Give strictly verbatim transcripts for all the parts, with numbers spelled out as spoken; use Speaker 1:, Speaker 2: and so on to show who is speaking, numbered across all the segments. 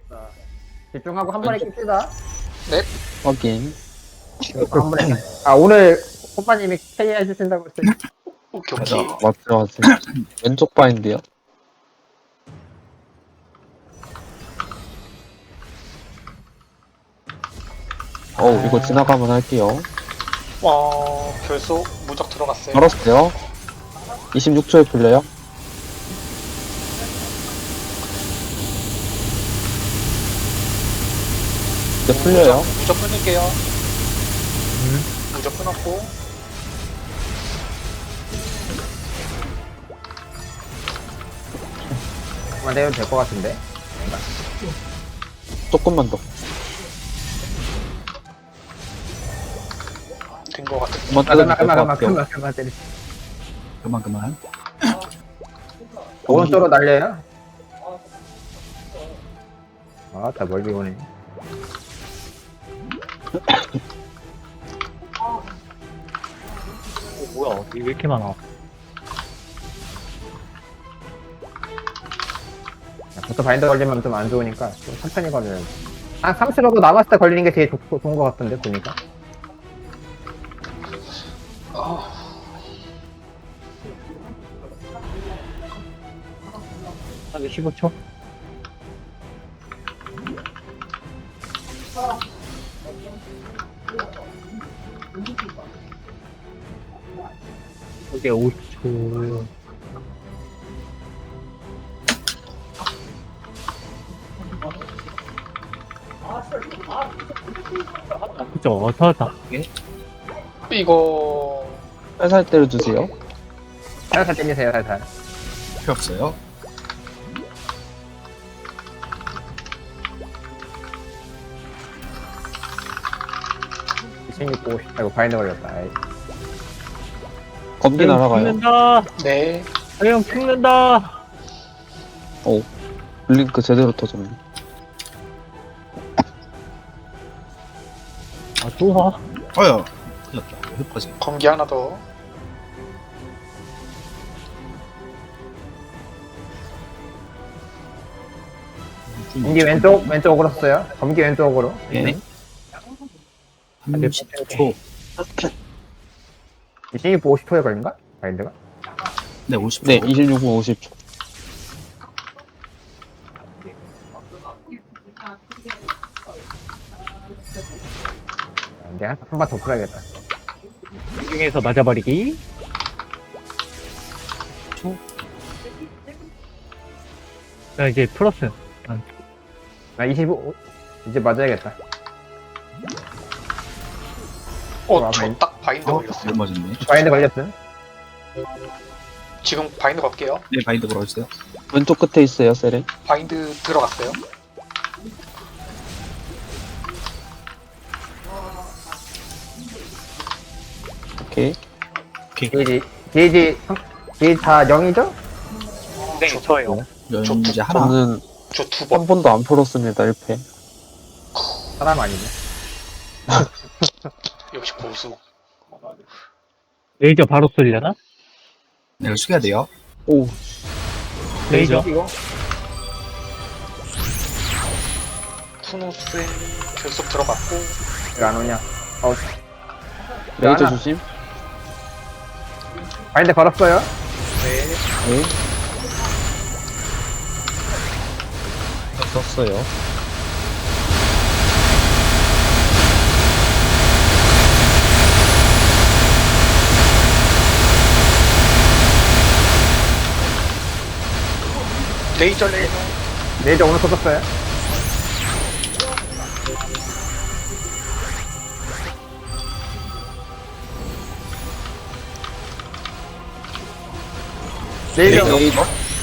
Speaker 1: 자, 집중하고 한 번에 깁시다.
Speaker 2: 확인.
Speaker 1: 한 번에. 아, 오늘 호빠님이 케이 해주신다고 했어요.
Speaker 3: 오케이 오케이.
Speaker 2: 맞죠, 맞죠. 왼쪽 바인드요. 어우, 이거 지나가면 할게요.
Speaker 3: 와 결속 무적 들어갔어요.
Speaker 2: 걸었어요. 이십육 초에 풀려요. 이제 풀려요.
Speaker 3: 무적 끊을게요. 무적 끊었고
Speaker 1: 그만 되면 될 것 같은데.
Speaker 2: 조금만 더.
Speaker 3: 된 거 같은.
Speaker 2: 그만
Speaker 1: 아,
Speaker 2: 때려도
Speaker 1: 그만,
Speaker 2: 될것
Speaker 1: 그만, 그만,
Speaker 2: 같아요.
Speaker 1: 그만, 그만 때리.
Speaker 4: 그만 그만.
Speaker 1: 오른쪽으로 날려요. 아, 다 멀리 오네.
Speaker 5: 뭐야, 이게 왜 이렇게 많아?
Speaker 1: 보통 바인더 걸리면 좀 안 좋으니까 좀 천천히 걸려요. 한 삼 초 정도 남았을 때 걸리는 게 제일 좋, 좋은 것 같던데, 보니까.
Speaker 3: 아,
Speaker 5: 한 십오 초? 이게 오십 초. 그쵸, 어, 터졌다.
Speaker 3: 이거
Speaker 2: 살살 때려주세요.
Speaker 1: 살살 때리세요, 살살.
Speaker 4: 필요 없어요.
Speaker 1: 이십육, 오십, 아이고, 바인더 걸렸다. 아이.
Speaker 2: 검기 날아가요.
Speaker 5: 죽는다!
Speaker 3: 네
Speaker 5: 형 죽는다!
Speaker 2: 오, 블링크 제대로 터졌네.
Speaker 5: 아, 또 와?
Speaker 4: 어여. 큰일났다. 흡하지.
Speaker 3: 검기 하나 더.
Speaker 1: 검기 왼쪽, 왼쪽으로 썼어요. 검기 왼쪽으로.
Speaker 4: 네. 삼십 초.
Speaker 1: 이십육, 오십 초에 걸린가? 바인드가?
Speaker 4: 네, 오십 초.
Speaker 2: 네, 이십육 분 오십 초.
Speaker 1: 이제 한 번 더 풀어야겠다.
Speaker 5: 중에서 맞아버리기. 자, 이제 플러스.
Speaker 1: 나 이십오, 이제 맞아야겠다.
Speaker 3: 어,
Speaker 1: 와,
Speaker 3: 저
Speaker 1: 바인-
Speaker 3: 딱 바인드
Speaker 4: 어,
Speaker 3: 걸렸어요.
Speaker 4: 못 맞았네.
Speaker 1: 바인드 걸렸음.
Speaker 3: 지금 바인드 걸게요.
Speaker 4: 네, 바인드 걸어주세요.
Speaker 2: 왼쪽 끝에 있어요, 세렌.
Speaker 3: 바인드 들어갔어요.
Speaker 2: 오케이.
Speaker 1: 게이지, 게이지, 게이지 다 영이죠?
Speaker 5: 네, 저예요.
Speaker 4: 연재 하나.
Speaker 2: 저는
Speaker 3: 저 두 번.
Speaker 2: 한 번도 안 풀었습니다, 일 패.
Speaker 1: 사람 아니네.
Speaker 3: 역시 고수.
Speaker 5: 레이저 바로 쏠려나?
Speaker 4: 네, 이거 숙여야 돼요.
Speaker 2: 오,
Speaker 5: 레이저.
Speaker 1: 이거?
Speaker 3: 쿠노스의 결속 들어갔고
Speaker 1: 왜 안 오냐? 어,
Speaker 2: 레이저
Speaker 1: 하나.
Speaker 2: 조심.
Speaker 1: 바인드 걸었어요?
Speaker 3: 네
Speaker 2: 네. 썼어요.
Speaker 3: 레이저 레이저.
Speaker 1: 레이저 오늘 쏟았어요? 레이저,
Speaker 2: 레이저.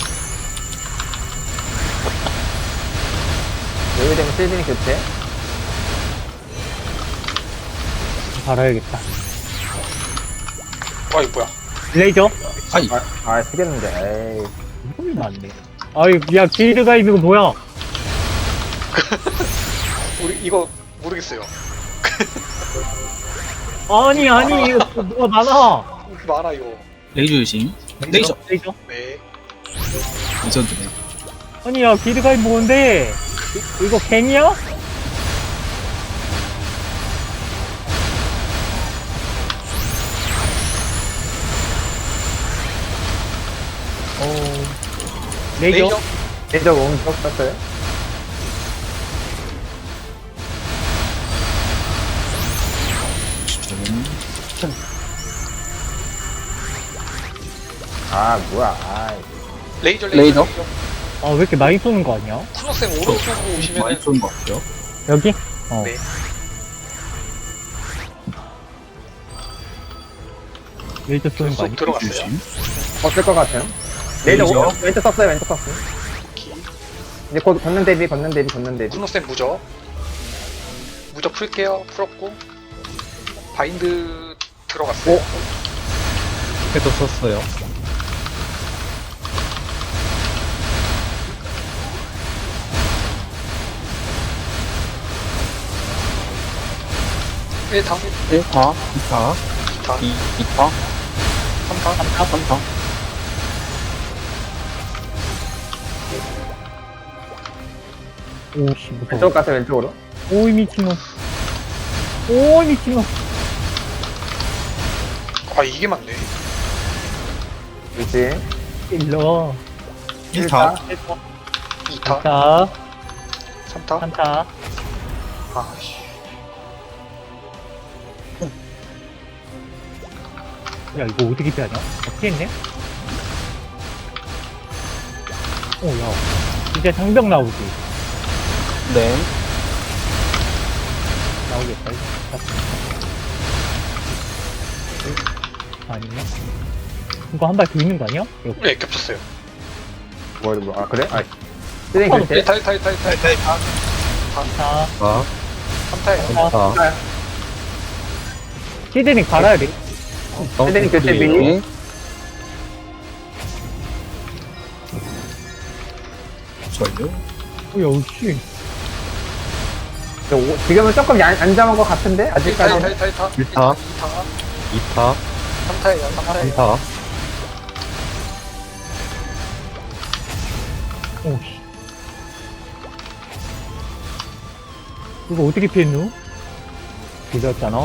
Speaker 1: 레이저 되면 시즌이 교체?
Speaker 5: 갈아야겠다.
Speaker 3: 와 이거 뭐야?
Speaker 5: 레이저?
Speaker 4: 아이,
Speaker 1: 아, 아, 쓰겠는데, 에이.
Speaker 5: 이름이 많네. 아이, 야, 길드가 이거 뭐야?
Speaker 3: 우리 이거 모르겠어요.
Speaker 5: 아니, 아니, 이거 뭐가 많아.
Speaker 3: 많아 이거.
Speaker 4: 레이저 유심. 레이저.
Speaker 5: 레이저?
Speaker 3: 네.
Speaker 4: 레전드네.
Speaker 5: 아니, 야, 길드가 뭔데? 이거 갱이야? 어... 레이저?
Speaker 3: 레이저.
Speaker 1: 레이저 오른쪽 썼어요.
Speaker 4: 좀
Speaker 1: 아 뭐야. 아이.
Speaker 3: 레이저
Speaker 2: 레이저.
Speaker 3: 레이저.
Speaker 5: 아, 왜 이렇게 많이 쏘는 거 아니야?
Speaker 3: 쿠노쌤 오른쪽으로
Speaker 4: 많이
Speaker 3: 오시면
Speaker 4: 좋은 것 같아요.
Speaker 5: 여기? 어.
Speaker 3: 네.
Speaker 5: 레이저 쏘는 거
Speaker 3: 쏙
Speaker 5: 아니야?
Speaker 3: 들어갔어요.
Speaker 4: 조심.
Speaker 1: 없을 것 같아요. 레이저
Speaker 4: 레이저.
Speaker 1: 오른쪽 왼쪽 썼어요. 왼쪽 썼어요. 이제 곧 걷는 대비 걷는 대비 걷는 대비.
Speaker 3: 쿠노쌤 무적. 무적 풀게요. 풀었고. 바인드 들어갔어요.
Speaker 1: 오.
Speaker 5: 그래도 썼어요.
Speaker 3: 일 타,
Speaker 2: 일 타,
Speaker 4: 자,
Speaker 3: 이 타,
Speaker 2: 이, 이 타,
Speaker 3: 삼 타,
Speaker 2: 삼 타.
Speaker 5: 오씨, 무서워.
Speaker 1: 왼쪽 가서 왼쪽으로.
Speaker 5: 오이, 미친놈. 오이, 미친놈.
Speaker 3: 아 이게 맞네.
Speaker 1: 그렇지.
Speaker 5: 일러.
Speaker 4: 일 타.
Speaker 3: 이 타,
Speaker 5: 자,
Speaker 3: 삼 타.
Speaker 5: 한타.
Speaker 3: 아씨.
Speaker 5: 야, 이거 어떻게 피하냐? 어떻게 했네? 오, 야. 이제 장벽 나오지.
Speaker 2: 네.
Speaker 5: 나오겠다. 이거. 아니네. 이거 한 발 더 있는 거 아니야? 이거
Speaker 3: 네 겹쳤어요.
Speaker 1: 뭐, 뭐, 아, 그래? 아, 쓰레기
Speaker 5: 어,
Speaker 1: 글쎄.
Speaker 3: 일 타, 일 타, 일 타, 일 타.
Speaker 4: 일 타, 일 타.
Speaker 5: 한타.
Speaker 4: 자,
Speaker 3: 삼 타예요.
Speaker 5: 한타. 시드닝 갈아야 돼.
Speaker 1: 쓰레기 글쎄 미니.
Speaker 2: 네.
Speaker 4: 저요.
Speaker 5: 오, 야, 씨.
Speaker 1: 저 오- 지금은 조금 안, 안 잡은 것 같은데?
Speaker 3: 일 타, 일 타,
Speaker 1: 아직까지.
Speaker 3: 일 타, 일 타.
Speaker 4: 일 타.
Speaker 3: 이 타,
Speaker 4: 이 타.
Speaker 3: 삼 타예요. 삼 타예요.
Speaker 4: 삼 타.
Speaker 5: 오, 씨. 이거 어떻게 피했누? 길었잖아.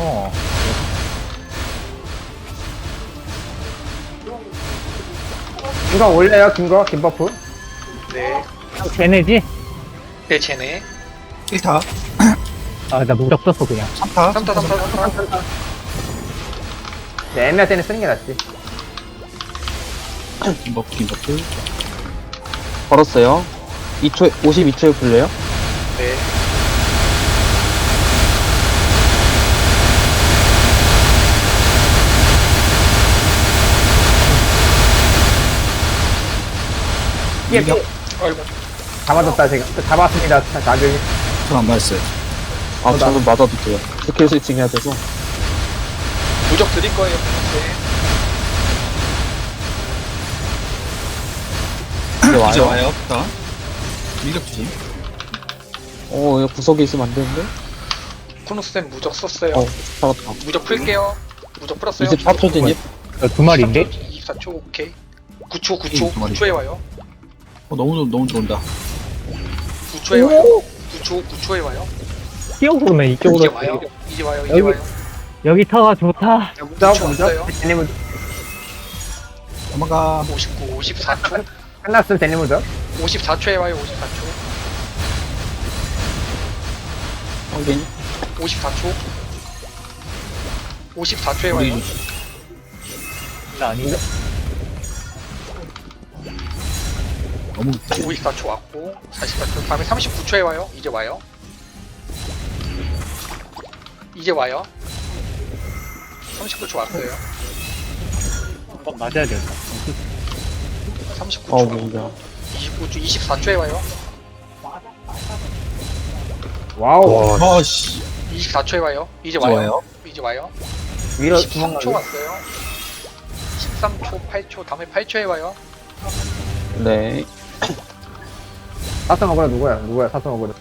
Speaker 1: 이거 올려요, 긴 거, 긴 버프.
Speaker 3: 네.
Speaker 5: 쟤네지?
Speaker 3: 네, 쟤네.
Speaker 4: 일 타.
Speaker 5: 아, 나 무적 썼어, 그냥.
Speaker 4: 삼 타.
Speaker 3: 삼 타, 삼 타, 삼 타.
Speaker 1: 네, 애매할 때는 쓰는 게 낫지.
Speaker 4: 김버프, 김버프.
Speaker 2: 걸었어요. 이 초, 오십이 초에 풀려요.
Speaker 3: 네.
Speaker 1: 피해, 피해.
Speaker 3: 아이고.
Speaker 1: 잡아줬다, 제가. 잡았습니다, 나중에.
Speaker 4: 전안 맞았어요.
Speaker 2: 아,
Speaker 1: 나-
Speaker 2: 저는 맞아도 돼요. 스킬 스위칭 해야 돼서.
Speaker 3: 무적 드릴 거예요. 네.
Speaker 2: 이제
Speaker 4: 이제
Speaker 2: 와요.
Speaker 4: 와요. 자, 밀격 조심.
Speaker 2: 어, 이거 구석에 있으면 안 되는데?
Speaker 3: 쿠노쌤 무적 썼어요.
Speaker 2: 어, 살았다.
Speaker 3: 무적 풀게요. 무적 풀었어요.
Speaker 2: 이십사 초 진입.
Speaker 5: 야, 두 마리인데?
Speaker 3: 이십사 초, 오케이. 구 초, 구 초,
Speaker 4: 두 마리.
Speaker 3: 구 초에 와요.
Speaker 4: 어, 너무, 좋- 너무 좋은다.
Speaker 3: 구 초에 와요. 구 초, 구 초에 와요.
Speaker 5: 뛰어보면
Speaker 3: 이제
Speaker 5: 이쪽으로.
Speaker 3: 와요. 이제 와요. 이제
Speaker 5: 여기-
Speaker 3: 와요.
Speaker 5: 여기 터가 좋다.
Speaker 1: 무적,
Speaker 3: 초
Speaker 1: 무적.
Speaker 3: 없어요.
Speaker 1: 데니 무적.
Speaker 4: 넘어가.
Speaker 3: 오십구, 오십사 초.
Speaker 1: 끝났으면 데니 무적.
Speaker 3: 오십사 초에 와요. 오십사 초.
Speaker 2: 확인.
Speaker 3: 오십사 초. 오십사 초에
Speaker 4: 우리
Speaker 3: 와요.
Speaker 5: 나 아닌데?
Speaker 4: 너무 늦다.
Speaker 3: 오십사 초 왔고 사십사 초. 다음에 삼십구 초에 와요. 이제 와요. 이제 와요. 삼십구 초 왔어요.
Speaker 5: 한번 맞아야 된다.
Speaker 3: 삼십구 초.
Speaker 2: 어,
Speaker 3: 왔고.
Speaker 2: 뭐야.
Speaker 3: 이십구 초, 이십사 초에 와요.
Speaker 1: 와우.
Speaker 4: 아, 씨.
Speaker 3: 이십사 초에 와요. 이제
Speaker 4: 이제
Speaker 3: 와요.
Speaker 4: 와요.
Speaker 3: 이제 와요.
Speaker 1: 위로
Speaker 3: 십삼 초
Speaker 1: 도망가요.
Speaker 3: 왔어요. 십삼 초, 팔 초. 다음에 팔 초에 와요.
Speaker 2: 네.
Speaker 1: 사슴 먹으라 누구야? 누구야? 사슴 먹으라.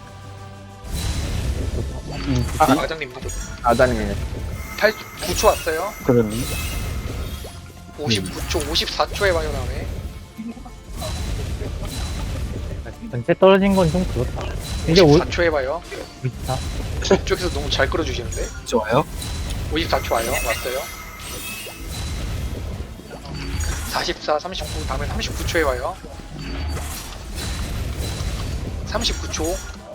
Speaker 3: 아, 과장님 누구?
Speaker 1: 아다님이네.
Speaker 3: 팔, 구 초 왔어요.
Speaker 2: 그러네.
Speaker 3: 오십구 초, 오십사 초에 와요. 다음에
Speaker 5: 전체 떨어진 건 좀 그렇다. 이제 오,
Speaker 3: 오십사 초 해봐요.
Speaker 5: 있다.
Speaker 3: 이쪽에서 너무 잘 끌어주시는데.
Speaker 4: 좋아요.
Speaker 3: 오십사 초 와요. 왔어요. 사십사, 삼십구, 다음에 삼십구 초에 와요. 삼십구 초,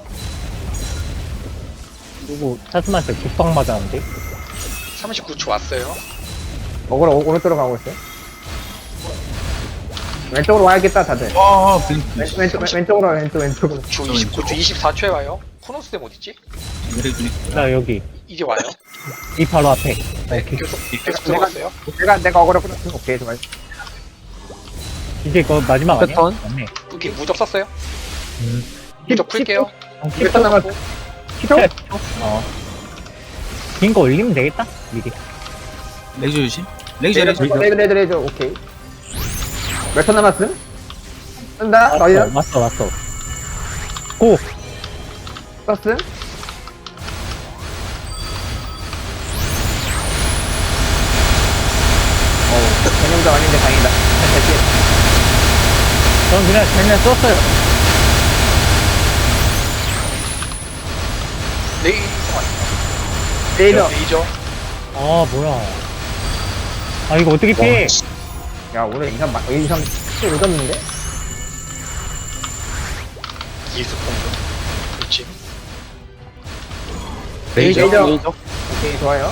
Speaker 5: 그리고 차스마한테 국방 맞았는데.
Speaker 3: 삼십구 초 왔어요.
Speaker 1: 먹으러 오- 오른쪽으로 가고 있어요. 왼쪽으로 와야겠다 다들.
Speaker 4: 와, 블링.
Speaker 1: 왼, 왼쪽 왼- 왼쪽으로 와요, 왼쪽 왼쪽으로.
Speaker 3: 초 이십구 초, 이십사 초에 와요. 코노스댐 어딨지?
Speaker 4: 블링 블링.
Speaker 5: 나 여기.
Speaker 3: 이제 와요.
Speaker 5: 이 바로 앞에.
Speaker 3: 네,
Speaker 5: 오케이.
Speaker 3: 계속, 계속 들어갔어요.
Speaker 1: 내가 내가 어그로 끌어. 오케이 좋아요.
Speaker 5: 이제 그 마지막 아니야?
Speaker 2: 패턴?
Speaker 5: 맞네.
Speaker 3: 여기 무적 썼어요.
Speaker 5: 음.
Speaker 3: 무적 풀게요.
Speaker 5: 어,
Speaker 1: 몇 턴 남았어? 키도?
Speaker 5: 어. 긴 거 올리면 되겠다? 미리.
Speaker 4: 레이저 조심. 레이저
Speaker 1: 레이저
Speaker 4: 레이저.
Speaker 1: 레이저 레이저 레이저 오케이. 몇 턴 남았음? 쓴다. 너희야?
Speaker 5: 왔어, 왔어. 고!
Speaker 1: 썼음? 어우, 전용도 아닌데 다행이다.
Speaker 5: 전 그냥, 그냥 썼어요.
Speaker 3: 레이저
Speaker 1: 레이저.
Speaker 3: 레이저.
Speaker 5: 아, 뭐야. 아, 이거 어떻게 피해?
Speaker 1: 야, 오늘 인삼, 마- 인삼 또 늦었는데?
Speaker 3: 기습 공격. 그렇지.
Speaker 2: 레이저.
Speaker 1: 레이저.
Speaker 2: 레이저.
Speaker 1: 오케이, 좋아요.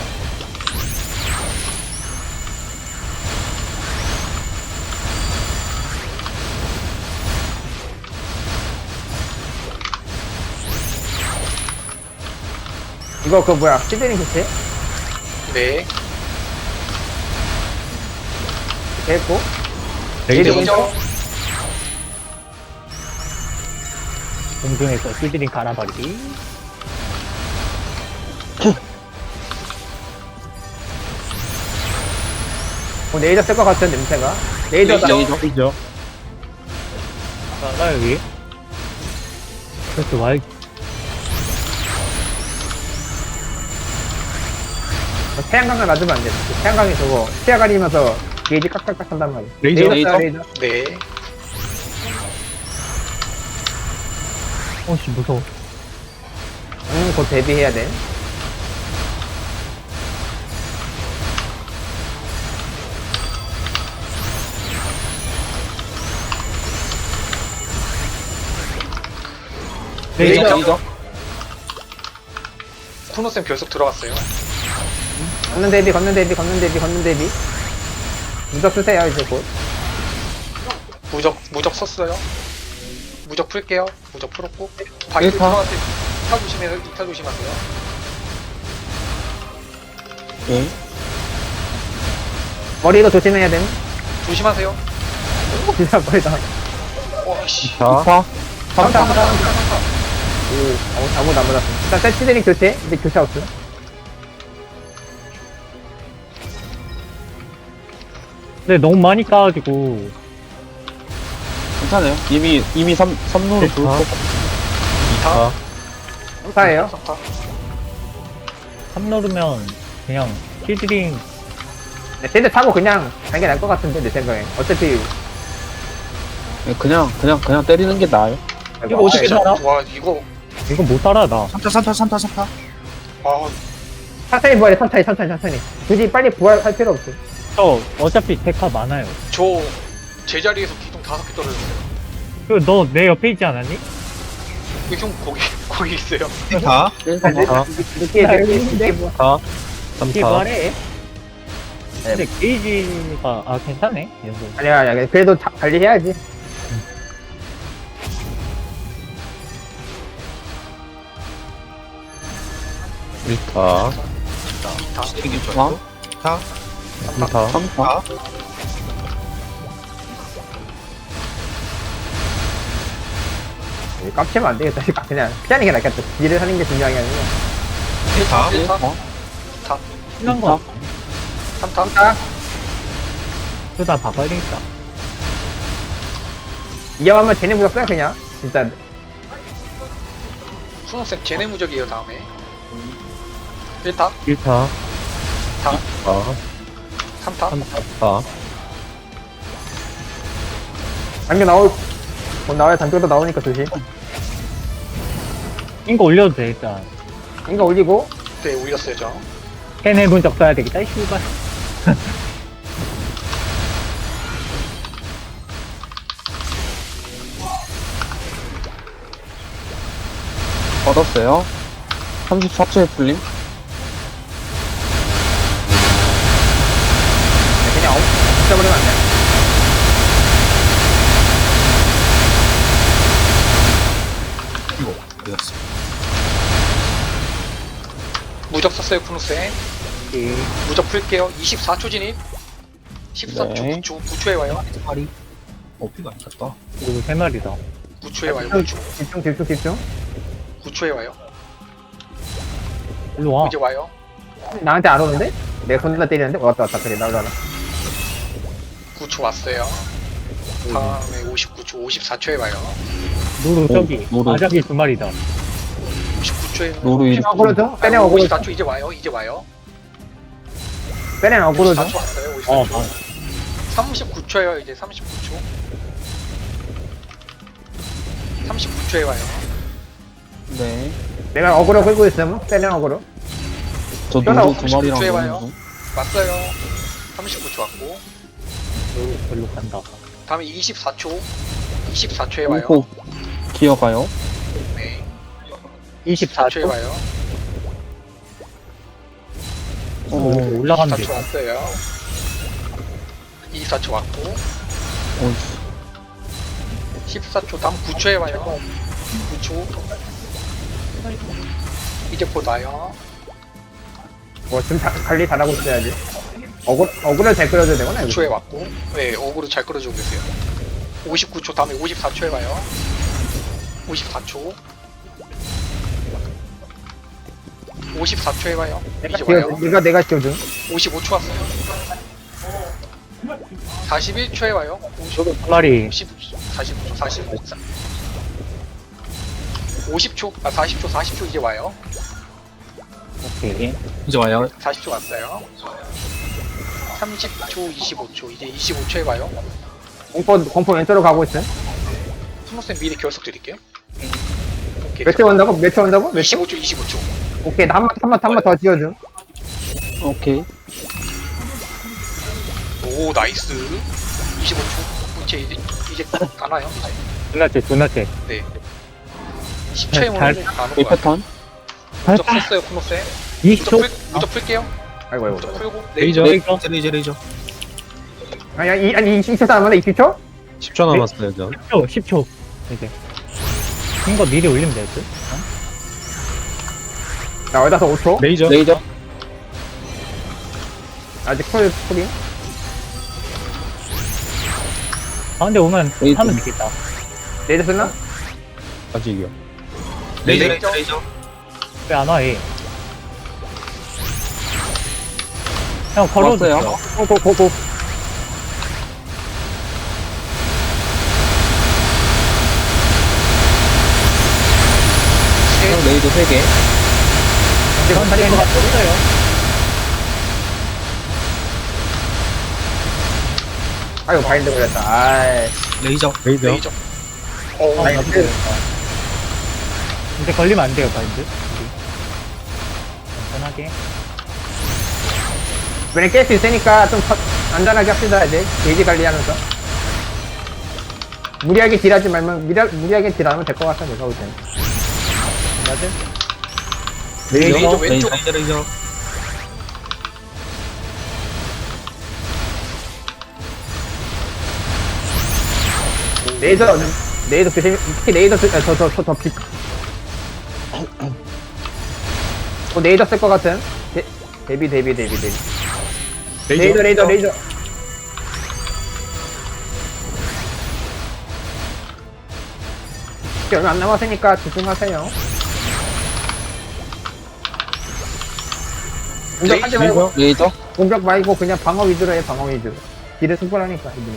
Speaker 1: 이거 그 뭐야 시드링 교체
Speaker 3: 네.
Speaker 1: 됐고
Speaker 5: 레이저
Speaker 3: 레이저.
Speaker 5: 공중에서 시드링 갈아버리기.
Speaker 1: 뭐 레이저 쓸 것 같은 냄새가 레이저다
Speaker 3: 레이저.
Speaker 2: 레이저.
Speaker 5: 나, 나 여기. 그래서 와,
Speaker 1: 태양광을 놔두면 안돼 태양광이 저거 시야 가리면서 게이지 깍깍깍 한단 말이야
Speaker 2: 레이저,
Speaker 1: 레이저
Speaker 2: 레이저.
Speaker 1: 레이저
Speaker 3: 네.
Speaker 5: 어씨, 무서워.
Speaker 1: 음곧 대비해야 돼
Speaker 3: 레이저.
Speaker 2: 레이저. 레이저.
Speaker 3: 코노쌤 결속 들어갔어요.
Speaker 1: 걷는 대비 걷는 대비 걷는 대비 걷는 대비 무적 쓰세요 이제 곧
Speaker 3: 무적, 무적 썼어요. 무적 풀게요. 무적 풀었고. 바이트
Speaker 2: 일타.
Speaker 3: 들어갔을 때 이타 조심해서, 이타 조심하세요.
Speaker 2: 예.
Speaker 1: 머리도 조심해야 됨
Speaker 3: 조심하세요.
Speaker 1: 진짜 머리다
Speaker 3: 와씨.
Speaker 2: 자.
Speaker 1: 삼타
Speaker 3: 삼타,
Speaker 1: 삼타
Speaker 3: 삼타, 삼타.
Speaker 1: 오 아무- 아무도 안 받았어 일단 셋 시드링 교체 이제 교체 없음
Speaker 5: 근데 너무 많이 까가지고.
Speaker 2: 괜찮아요. 이미 이미 삼 삼루로
Speaker 5: 자.
Speaker 2: 돌고.
Speaker 3: 이타.
Speaker 1: 삼타예요
Speaker 3: 삼타.
Speaker 5: 삼 넣으면 그냥 시드링.
Speaker 1: 네, 쟤들 타고 그냥 가는 게 나을 것 같은데 내 생각에 어차피
Speaker 2: 예, 그냥 그냥 그냥 때리는 게 나아요.
Speaker 5: 이거 어떻게
Speaker 3: 진짜,
Speaker 5: 살아?
Speaker 3: 와, 이거.
Speaker 5: 이건 못 살아, 나.
Speaker 4: 삼타 삼타 삼타 삼타.
Speaker 3: 아,
Speaker 1: 천천히 부활해 천천히 천천히 천천히 굳이 빨리 부활할 필요 없어
Speaker 5: 저 어차피 데카 많아요.
Speaker 3: 저 제자리에서 기둥 다섯 개 떨어졌어요.
Speaker 5: 그 너 내 옆에 있지 않았니?
Speaker 3: 그 형 거기 거기 있어요.
Speaker 4: 다.
Speaker 2: 삼타.
Speaker 1: 늦게
Speaker 5: 나
Speaker 1: 늦게
Speaker 5: 여기 있는데?
Speaker 1: 늦게 부활
Speaker 2: 삼타.
Speaker 5: 이게
Speaker 2: 삼타.
Speaker 5: 말해. 근데 게이지가 아 괜찮네. 이 정도.
Speaker 1: 아니야 아니야 그래도 다 관리해야지
Speaker 2: 일타.
Speaker 3: 이타.
Speaker 4: 시드링
Speaker 2: 어?
Speaker 4: 좋아요. 다.
Speaker 2: 삼타. 삼타.
Speaker 4: 다.
Speaker 1: 깝치면 안 되겠다 그냥 피하는 게 낫겠다 딜을 하는 게 중요한 게 아니고
Speaker 4: 다.
Speaker 3: 일타.
Speaker 2: 어?
Speaker 3: 타.
Speaker 5: 심한 거
Speaker 3: 삼타.
Speaker 1: 아
Speaker 5: 쓰다 바꿔야 되겠다.
Speaker 1: 이왕하면 쟤네 무적 써 그냥 진짜
Speaker 3: 훈호쌤 제네 무적이에요 다음에. 일타.
Speaker 2: 일타.
Speaker 3: 타.
Speaker 2: 아.
Speaker 3: 삼타.
Speaker 2: 삼타.
Speaker 1: 당겨 나올 곧 나와야 단뼈도 나오니까 조심
Speaker 5: 이거 올려도 돼, 일단.
Speaker 1: 이거 올리고
Speaker 3: 네, 올렸어요, 저.
Speaker 5: 캔 해본 적 써야 되겠다, 이 씨발.
Speaker 2: 걸었어요. 삼십사 초에 풀림.
Speaker 1: 그냥 어, 붙여버리면 안 돼.
Speaker 4: 이거 어디갔어?
Speaker 3: 무적 썼어요, 쿠누스에.
Speaker 5: 예.
Speaker 3: 무적 풀게요. 이십사 초 진입. 십삼 초,
Speaker 2: 네.
Speaker 3: 구 초, 구 초에 와요.
Speaker 4: 파리. 어, 피가 안 찼다.
Speaker 5: 그리고 세 마리다.
Speaker 3: 구 초에 와요, 구 초.
Speaker 1: 집중 집중 집중.
Speaker 3: 구 초에 와요.
Speaker 5: 일로 와.
Speaker 3: 이제 와요.
Speaker 1: 나한테 안 오는데? 내가 손나 때리는데? 왔다 왔다 그래 나오잖아.
Speaker 3: 구 초 왔어요. 다음에 오십구 초, 오십사 초에 와요.
Speaker 5: 노루, 저기.
Speaker 2: 노루.
Speaker 5: 아작이 두 마리다.
Speaker 3: 오십구 초에
Speaker 2: 노루 일.
Speaker 1: 어그로 줘? 빼내 어그로 줘?
Speaker 3: 오십사 초 이제 와요. 이제 와요.
Speaker 1: 빼내 어그로 줘?
Speaker 3: 오십사 초 왔어요.
Speaker 5: 어,
Speaker 3: 오십사 초.
Speaker 5: 아,
Speaker 3: 삼십구 초에요. 이제 삼십구 초. 삼십구 초에 와요.
Speaker 2: 네.
Speaker 1: 내가 어그로 끌고 있으면 빼내 어그로.
Speaker 2: 저
Speaker 1: 전화
Speaker 2: 노루 두 마리랑
Speaker 3: 삼십구 초에
Speaker 2: 노는
Speaker 3: 와요.
Speaker 2: 중.
Speaker 3: 왔어요. 삼십구 초 왔고.
Speaker 5: 노루 별로 간다.
Speaker 3: 다음에 이십사 초. 이십사 초에 와요.
Speaker 2: 공포 기어가요.
Speaker 3: 네.
Speaker 5: 이십사
Speaker 3: 초에
Speaker 5: 초.
Speaker 3: 와요.
Speaker 2: 어,
Speaker 5: 올라가면
Speaker 3: 이십사 초
Speaker 5: 돼.
Speaker 3: 왔어요. 이십사 초 왔고.
Speaker 2: 어,
Speaker 3: 십사 초 다음 구 초에 와요. 구 초. 이제 곧 와요.
Speaker 1: 뭐 지금 다, 관리 잘하고 있어야지. 어그 어그를 잘 끌어줘야 되구나.
Speaker 3: 구
Speaker 1: 이거.
Speaker 3: 초에 왔고. 네, 어그로 잘 끌어주고 계세요. 오십구 초 다음에 오십사 초에 와요. 오십사 초. 오십사 초에 와요.
Speaker 1: 내가
Speaker 3: 이제
Speaker 1: 지워
Speaker 3: 와요.
Speaker 1: 내가 내가 지워준.
Speaker 3: 오십오 초 왔어요. 사십일 초에 와요.
Speaker 5: 저도 두 마리.
Speaker 3: 오십, 사십오 초, 사십오 초. 오십 초, 아 사십 초, 사십 초 이제 와요.
Speaker 5: 오케이.
Speaker 4: 이제 와요.
Speaker 3: 사십 초 왔어요. 삼십 초, 이십오 초, 이제 이십오 초에 와요.
Speaker 1: 공포 공포 왼쪽으로 가고 있어.
Speaker 3: 스노쌤 미리 결석 드릴게요. 오케이.
Speaker 1: 몇 초 온다고? 몇 초 온다고? 몇 초?
Speaker 3: 이십오 초, 이십오 초.
Speaker 1: 오케이 나 한 번 한 번 한 번 더 지워줘.
Speaker 2: 오케이.
Speaker 3: 오, 나이스. 이십오 초. 이제 이제 이제 안 와요. 이제.
Speaker 5: 존나 째, 존나 째.
Speaker 3: 네. 십 초에
Speaker 5: 잘-
Speaker 3: 오는 거안
Speaker 2: 이
Speaker 3: 올 거야.
Speaker 2: 패턴.
Speaker 3: 무적 썼어요, 스노쌤.
Speaker 5: 이십
Speaker 3: 무적
Speaker 5: 초.
Speaker 3: 풀, 무적 풀게요.
Speaker 1: 아이고 아이고.
Speaker 3: 무적 풀고.
Speaker 4: 레이저.
Speaker 3: 레이저.
Speaker 5: 레이저.
Speaker 4: 레이저, 레이저.
Speaker 1: 아니 아니 아니 이십 초 남았네. 이십 초?
Speaker 6: 십 초 남았어요, 저.
Speaker 5: 십 초, 십 초. 이제. 이거 미리 올리면 될 듯?
Speaker 1: 나 어디서 오 초?
Speaker 6: 레이저.
Speaker 2: 레이저.
Speaker 1: 아직 풀 풀이.
Speaker 5: 가운데 오면
Speaker 2: 레이저.
Speaker 5: 하면 되겠다.
Speaker 1: 레이저 쓰나?
Speaker 6: 아직이요.
Speaker 4: 레이저,
Speaker 3: 레이저.
Speaker 4: 레이저, 레이저.
Speaker 5: 왜 안 와, 얘? 형, 걸어주세요.
Speaker 2: 왔어요.
Speaker 1: 고고고고.
Speaker 3: 셋.
Speaker 2: 레이저 세 개.
Speaker 1: 이제 건 다리
Speaker 5: 가 떴어요.
Speaker 1: 아이고 바인드 걸렸다. 아이.
Speaker 4: 레이저.
Speaker 6: 레이저.
Speaker 3: 레이저. 어,
Speaker 1: 아이 그
Speaker 5: 이제 걸리면 안 돼요, 바인드. 우리. 안전하게.
Speaker 1: 이번에 깰 수 있으니까 좀 터- 안전하게 합시다 이제 게이지 관리하면서. 무리하게 딜하지 말면 무리, 무리하게 딜하면 될 것 같아 내가 볼 때는.
Speaker 5: 맞아?
Speaker 3: 레이저
Speaker 4: 레이저,
Speaker 3: 왼쪽.
Speaker 4: 레이저, 레이저.
Speaker 1: 레이저 레이저 조심. 특히 레이저 저저저저 빛. 어 레이저 쓸 것 같은. 데, 데뷔 데뷔 데뷔 데뷔. 레이저 레이저 레이저. 이제 얼마 안 남았으니까 집중하세요. 공격하지 말고
Speaker 2: 레이저.
Speaker 1: 공격 말고 그냥 방어 위주로 해 방어 위주로. 딜을 승부하니까 이분이.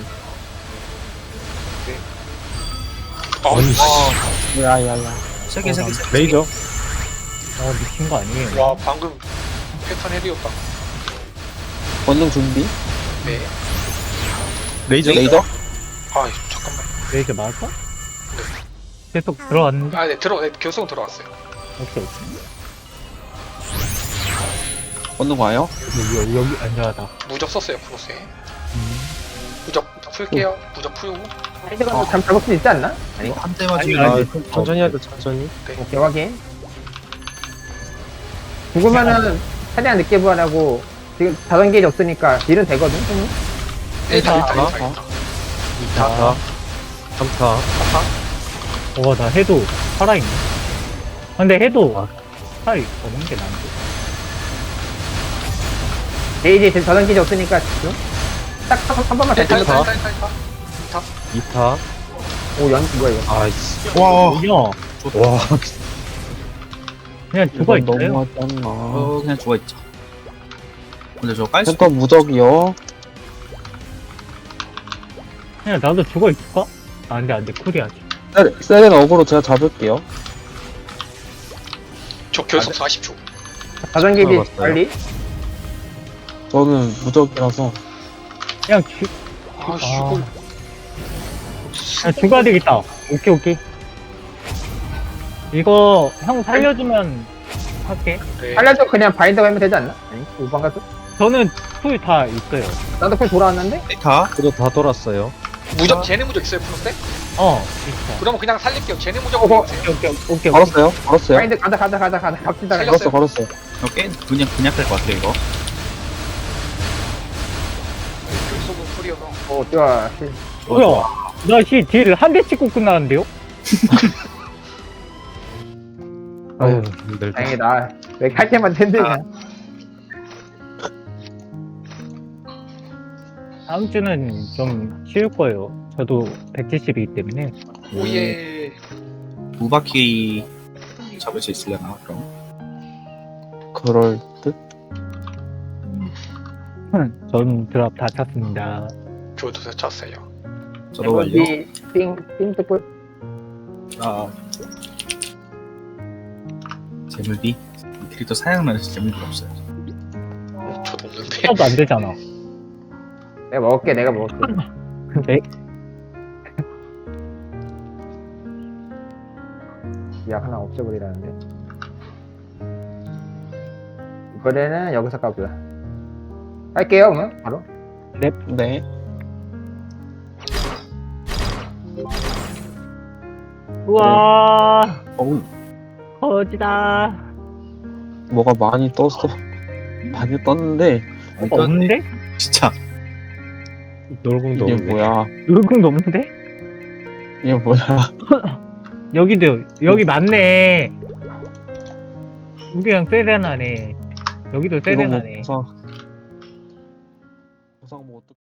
Speaker 3: 어,
Speaker 2: 야야야.
Speaker 4: 세 개, 세 개, 세 개.
Speaker 6: 레이저.
Speaker 5: 어, 미친 거 아니에요?
Speaker 3: 와, 방금 패턴 헤리였다.
Speaker 2: 권능 준비.
Speaker 3: 네.
Speaker 6: 레이저.
Speaker 2: 레이저.
Speaker 3: 아, 잠깐만.
Speaker 5: 레이저 맞았어? 계속 들어왔는데?
Speaker 3: 아, 네, 들어, 네, 결성 들어왔어요.
Speaker 5: 오케이, 오케이.
Speaker 2: 건너 가요.
Speaker 5: 여기, 여기, 안전하다.
Speaker 3: 무적 썼어요 프로스에.
Speaker 5: 음.
Speaker 3: 무적 풀게요. 무적 풀고.
Speaker 1: 파인드가 어. 참 잡을 수 있지 않나? 아니,
Speaker 4: 한 대
Speaker 5: 아니,
Speaker 4: 맞으면
Speaker 5: 아니.
Speaker 6: 아, 천천히 하자, 천천히.
Speaker 1: 오케이, 확인. 죽으면은 최대한 늦게 부활하고, 지금 자전 게이지 없으니까 딜은 되거든, 형님?
Speaker 3: 일타 일타
Speaker 2: 아,
Speaker 3: 일타 일타.
Speaker 6: 사 타, 삼 타.
Speaker 5: 와, 나 해도 살아있네. 근데 해도 살이 없는 게 나은데.
Speaker 1: 게이지, 지금 자전 게이지 없으니까, 지금? 딱 한, 한 번만 더
Speaker 3: 일타
Speaker 1: 찍어서.
Speaker 3: 일타 일타 일타. 일타.
Speaker 6: 이 타.
Speaker 1: 오, 연, 뭐야, 이거.
Speaker 6: 아이씨.
Speaker 4: 와
Speaker 5: 그냥,
Speaker 6: 와,
Speaker 5: 그냥 죽어
Speaker 2: 이건
Speaker 5: 있어요.
Speaker 2: 너무하지 않나.
Speaker 4: 어 그냥 죽어있죠. 근데 저 깔 수
Speaker 2: 센터 무적이요.
Speaker 5: 그냥 나도 죽어 있을까? 아, 안 돼, 안 돼. 쿨이야지.
Speaker 2: 세- 세렌 어그로 제가 잡을게요.
Speaker 3: 저 결속 사십 초.
Speaker 1: 자전 게이지
Speaker 6: 들어갔어요.
Speaker 1: 관리?
Speaker 2: 저는 무적이라서.
Speaker 5: 그냥 죽,
Speaker 3: 아씨
Speaker 5: 아.
Speaker 3: 이걸.
Speaker 5: 그냥 죽어야 되겠다. 오케이, 오케이. 이거, 형 살려주면 할게.
Speaker 3: 네.
Speaker 1: 살려줘 그냥 바인드 가면 되지 않나? 아니, 오 번 가도?
Speaker 5: 저는 풀 다 있어요.
Speaker 1: 나도 풀 돌아왔는데?
Speaker 4: 데이터
Speaker 6: 그래도 다 돌았어요.
Speaker 3: 무적 쟤네 무적 있어요 프로스?
Speaker 5: 어, 있어.
Speaker 3: 그러면 그냥 살릴게요. 쟤네 무적
Speaker 1: 어허.
Speaker 3: 보세요.
Speaker 5: 오케이, 오케이, 오케이. 오케이.
Speaker 2: 걸었어요. 걸었어요.
Speaker 1: 바인드 가자, 가자, 가자, 가자. 갑시다.
Speaker 3: 살려.
Speaker 2: 걸었어, 걸었어요.
Speaker 4: 꽤 그냥 그냥 될 것 같아요 이거.
Speaker 3: 결속은 풀이어서.
Speaker 1: 오, 좋아.
Speaker 5: 뭐야? 나 씨, 딜을 한 대 찍고 끝나는데요?
Speaker 6: 아유, 힘들다.
Speaker 1: 다행이다. 왜 할 때만 힘드냐?
Speaker 5: 다음 주는 좀 쉬울 거예요. 저도 백칠십이기 때문에.
Speaker 3: 오예.
Speaker 4: 두 바퀴 잡을 수 있으려나 그럼.
Speaker 2: 그럴 듯?
Speaker 5: 전 드랍 다 찼습니다.
Speaker 3: 저도 쳤어요.
Speaker 4: 저도 완료.
Speaker 1: 띵, 띵, 띵, 뜯고.
Speaker 4: 아 재물비 이 캐릭터 사양만 해서 재물비가 없어요.
Speaker 3: 저도 없는데.
Speaker 5: 하나도 안 되잖아.
Speaker 1: 내가 먹을게, 내가 먹을게.
Speaker 5: 네.
Speaker 1: 약 하나 없애버리라는데. 이번에는 여기서 까고요. 할게요, 그러면 바로.
Speaker 2: 네.
Speaker 5: 우와,
Speaker 4: 어우
Speaker 5: 거지다.
Speaker 2: 뭐가 많이 떴어. 많이 떴는데,
Speaker 5: 어, 없는데?
Speaker 4: 진짜
Speaker 6: 놀궁도
Speaker 2: 이게
Speaker 6: 없네.
Speaker 2: 뭐야.
Speaker 5: 놀궁도 없는데?
Speaker 2: 이게 뭐야.
Speaker 5: 여기도, 여기 맞네. 우리랑 세레나네. 여기도
Speaker 2: 이거 뭐,
Speaker 5: 세레나네.
Speaker 2: 보상. 보상 뭐 어떡해.